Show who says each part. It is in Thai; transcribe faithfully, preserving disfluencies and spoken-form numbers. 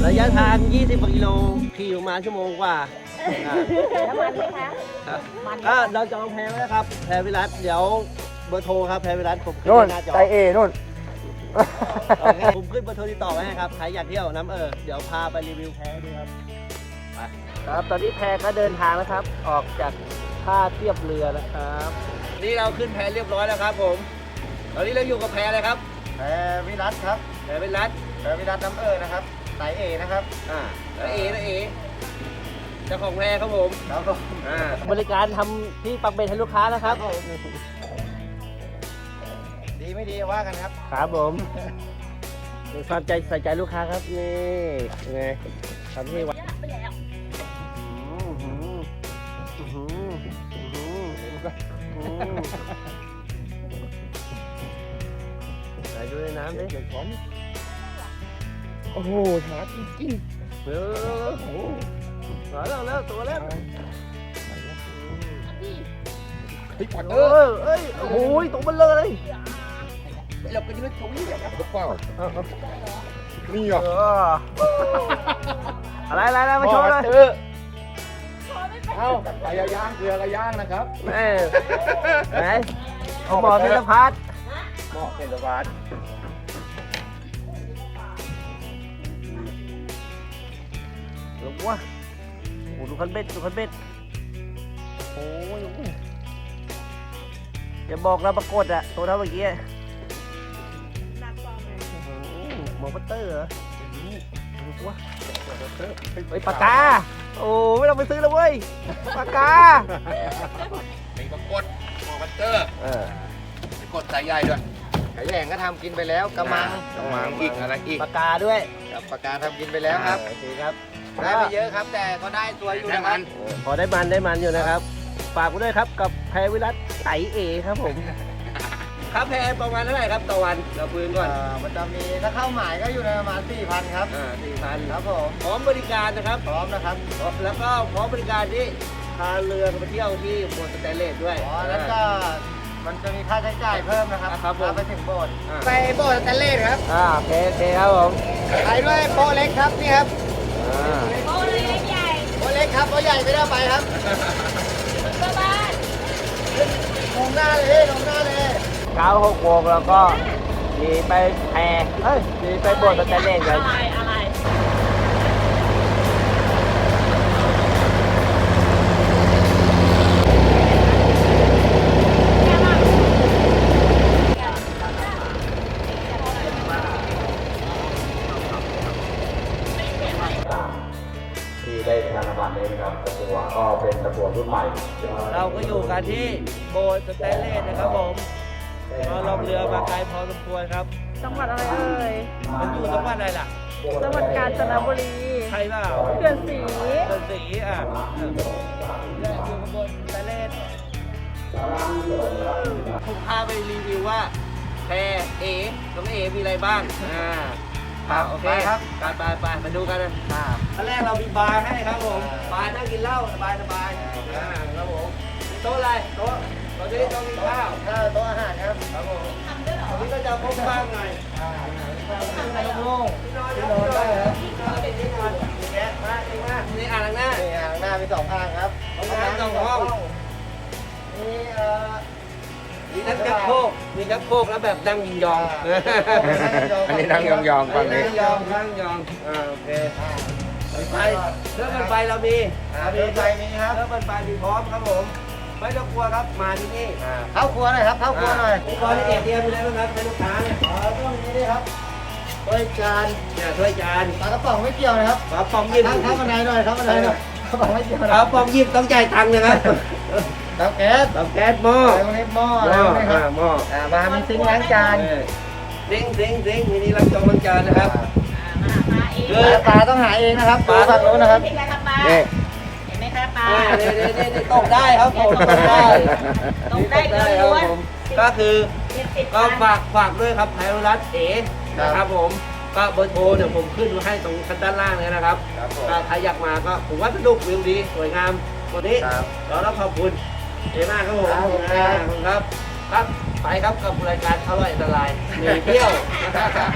Speaker 1: ระยะทาง ยี่สิบกว่ากิโลขี่ประมาณชั่วโมงกว่า
Speaker 2: แล้วมันไหมคะ
Speaker 1: มันก็เราจองแพไว้แล้วครับแพวิรัตเดี๋ยวเบอร์โทรครับแพวิรัตผมขึ้น
Speaker 3: นู่น
Speaker 1: หน้าจอ
Speaker 3: ไตเอนู่น
Speaker 1: ผมขึ้นเบอร์โทรติดต่อไว้ให้ครับใครอยากเที่ยวน้ำเออเดี๋ยวพาไปรีวิวแพดูครับไปครับตอนนี้แพก็เดินทางแล้วครับ ออกจากท่าเทียบเรือนะครับนี่เราขึ้นแพเรียบร้อยแล้วครับผมตอนนี้เราอยู่กับแพอะไรครับ
Speaker 3: แพวิรัตครับ
Speaker 1: แพวิรัต
Speaker 3: แพวิรัตน้ำเออนะครับไตเอนะครับ
Speaker 1: อ่าแล้วเอแล้วเอเจ้าของแพครับผม
Speaker 3: ครับผม
Speaker 1: อ่าบริการทำที่ปักเบ็ดให้ลูกค้านะครับ
Speaker 3: ดีไม่ดีว่ากันครับ
Speaker 1: ครับผมความใจใส่ใจลูกค้าครับนี่ไงทำที่วัดไหนดูในน้ำดิโอ้โหหาจริงๆเออโอ้โหมาแล้วแล้วตัวแล้วเออเอ้ยโอ้โหตัวมันเลยเราไปยืนตรงนี้แบบเปล่านี่เหรออะไรอะไรอะไรมาโชว์เลย
Speaker 3: เอ้าไก่ย่างเกลือกระย่างนะครับ
Speaker 1: แม่ไหนหมอเทเลพัท
Speaker 3: หมอเทเลพัท
Speaker 1: ลงวะโอ้ดูคันเบ็ดดูคันเบ็ดโอ้ยอย่าบอกนะปรากฏอะตัวเท่าเมื่อกี้หมอปัตเตอร์เหรอวะไอ้ปากกาโอ้ไม่ต้องไปซื้อแล้วเว้ยปากกา
Speaker 3: เป็นปรากฏหมอปัตเตอร์เออปรากฏสายใหญ่ด้วยไก่แหงก็ทำกินไปแล้วกระมังกระมังอีกอะไรอีก
Speaker 1: ปากกาด้วย
Speaker 3: กับปากกาทำกินไปแล้วครับ
Speaker 1: โอเคครับ
Speaker 3: ได้ไม่เยอะครับแต่ก็ได้ตัวอยู่นะครับ
Speaker 1: พอได้มันได้มันอยู่นะครับฝากไว้ด้วยครับกับแพรวิรัตไตเอครับผมครับแพรประมาณเท่าไหร่ครับต่อวันเราคุยก่อน
Speaker 3: มันจะมีถ้าเข้าหมายก็อยู่ในประมาณ สี่พัน ครับ
Speaker 1: อ่า สี่พัน
Speaker 3: ครับผม
Speaker 1: พร้อมบริการนะครับ
Speaker 3: พร้อมนะครับ
Speaker 1: แล้วก็พร้อมบริการที่พาเรือไปเที่ยวที่โบสถ์สแตนเลสด้วย
Speaker 3: อ๋อแล้วก็มันจะมีค่าใช้จ่ายเพิ่มนะครับ
Speaker 1: ครับผม
Speaker 3: ไปถึงโบสถ์ไปโบสถ์สแตนเลสครับ
Speaker 1: อ่าโอเคโอเคครับผม
Speaker 3: ไปด้วยโป๊ะเล็กครับนี่ครับ
Speaker 2: โป๊ะเล็กใหญ่
Speaker 3: โป๊ะเล็กครับโป๊ะใหญ่ไม่ได้ไปครับ
Speaker 2: ก็บ้าน
Speaker 3: ลงหน้าเลยลงหน้าเลย
Speaker 1: เก้าหกโมงแล้วก็มีไปแพเอ้ยมีไปโบสถ์สแตนเลสกัน
Speaker 2: อะไรอะไร
Speaker 4: ที่ได้ทางบัตรนี้นะครับตะกัวก็เป็นตะกัวรุ่นใหม่
Speaker 1: เราก็อยู่กันที่โบสถ์สแตนเลสนะครับผมเราลงเรือมาไกลพอสมควรครับ
Speaker 2: จังหวัดอะไรเอ่ย
Speaker 1: มันอยู่จังหวัดอะไรล่ะ
Speaker 2: จังหวัดกาญจนบุรี
Speaker 1: ใช่เปล่า
Speaker 2: เขื่อนศรี
Speaker 1: เขื่อนศรีอ่ะอยู่กับบนสแตนเลสผมพาไปรีวิวว่าแพเอตรงเอมีอะไรบ้างอ่าครับโอเคครับไปไปไปมาดูกันนะครับขั้นแรกเรามีบาร์ให้ครับผมบาร์นั่งกินเหล้าสบายสบายครับผมโต๊ะอะไรโต๊ะโต๊ะที่โต๊ะกินข้าว
Speaker 3: โต๊ะอาหารครับ
Speaker 1: ครับผมตรงนี้ก็จะพบบ้างหน่อย
Speaker 3: ในโล่ง
Speaker 1: ที่นอนที่นอนได้ครับที่นอนที่นอนแกะมาเองมานี่อ่างล้างหน้า
Speaker 3: นี่อ่างล้างหน้ามีสองอ่างครับ
Speaker 1: ห้องน้ำสองห้อง
Speaker 3: นี่เอ่อ
Speaker 1: มีทั้งชักโครกมีชักโครกแล้วแบบนั่งยิงยอง
Speaker 3: อันนี้นั่งยองๆฝั่งนี้
Speaker 1: นั่งยองนั่งยองอ่าโอเคไฟเครื่องปั่นไฟเรามี
Speaker 3: มีไฟมีครับ
Speaker 1: เครื่องปั่นไฟมีพร้อมครับผมไม่ต้องกลัวครับมาที่นี่
Speaker 3: เข้าครัวหน่อยครับเข้าครัวหน่อย
Speaker 1: อุปกรณ์ที่เอเดียมีอะไรบ้างครับเป็นลูกค้าเนี่ย
Speaker 3: อ๋อต้องมีนี่ครับถ้วยจาน
Speaker 1: เนี่ยถ้วยจาน
Speaker 3: ปลากระป๋องไม่เกี่ยวนะครับ
Speaker 1: ปลากระป๋องยิบ
Speaker 3: เข้าบันไดหน่อยเข้าบันไดหน่อยกระป๋องไม่เกี่ยว
Speaker 1: ปลากระป๋องยิบต้องจ่ายตังค์นะครับ
Speaker 3: เตาแก๊ส
Speaker 1: เตาแก๊สหม้อ
Speaker 3: อะไรพวกนี้หม้ออะไรพวกนี้ครับ
Speaker 1: หม้อ
Speaker 3: อ่ามามีซิงค์ล้างจาน
Speaker 1: ซิงซิงซิงมีนี่ล้างจานล้างจานนะครับ
Speaker 2: คือ
Speaker 3: ปลาต้องหาเองนะครับปลาฝั่งโน้นนะครับ
Speaker 2: นี่เห็นไหมคะปลา
Speaker 1: เนี่ยเนี่ยเนี่ยตกได้ครับตกได้
Speaker 2: ตกได้ล้วน
Speaker 1: ก็คือก็ฝากฝากด้วยครับไทยรัฐเอนะครับผมก็เบอร์โทรเดี๋ยวผมขึ้นไว้ให้ตรงชั้นด้านล่างเลยนะครับก็ใครอยากมาก็ผมว่าสนุกวิวดีสวยงามวันนี้เราต้องขอบคุณเอมากครับผมขอบคุณครับครับไปครับกับรายการอร่อยอันตรายหนีเที่ยว